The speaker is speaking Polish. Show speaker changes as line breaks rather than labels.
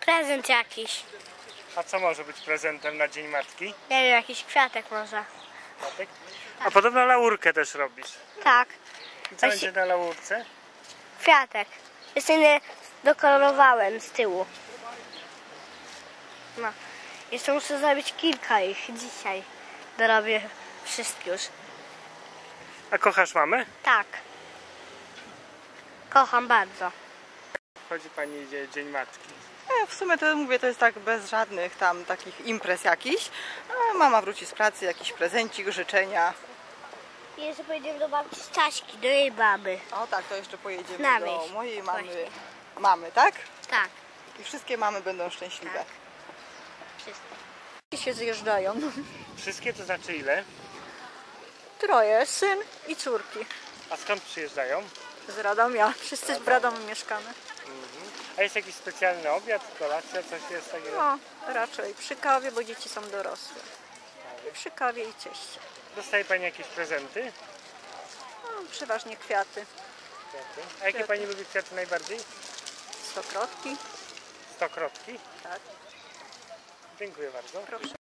prezent jakiś.
A co może być prezentem na Dzień Matki?
Nie wiem, jakiś kwiatek może.
Matek? A podobno laurkę też robisz.
Tak,
I co
Właśnie-
będzie na laurce?
kwiatek. Jeszcze nie dokolorowałem z tyłu. No. Jeszcze muszę zrobić kilka ich dzisiaj. Dorobię wszystkie już.
A kochasz mamę?
Tak. Kocham bardzo.
Chodzi pani Dzień Matki.
W sumie to mówię, to jest tak bez żadnych tam takich imprez jakichś. A mama wróci z pracy, jakiś prezencik, życzenia.
I jeszcze pojedziemy do babci Staśki, do jej baby.
O tak, to jeszcze pojedziemy
Na
do
wieś.
mojej
Właśnie.
mamy, tak?
Tak.
I wszystkie mamy będą szczęśliwe.
Tak. Wszystko.
I się zjeżdżają.
Wszystkie to znaczy ile?
Troje, syn i córki
A skąd przyjeżdżają?
z Radomia. Wszyscy w Radomiu mieszkamy.
A jest jakiś specjalny obiad, kolacja, coś jest takiego?
No, raczej przy kawie, bo dzieci są dorosłe. I przy kawie i cieście.
Dostaje pani jakieś prezenty?
No, przeważnie kwiaty.
Kwiaty. A jakie pani lubi kwiaty najbardziej?
Stokrotki.
Stokrotki?
Tak.
Dziękuję bardzo.
Proszę.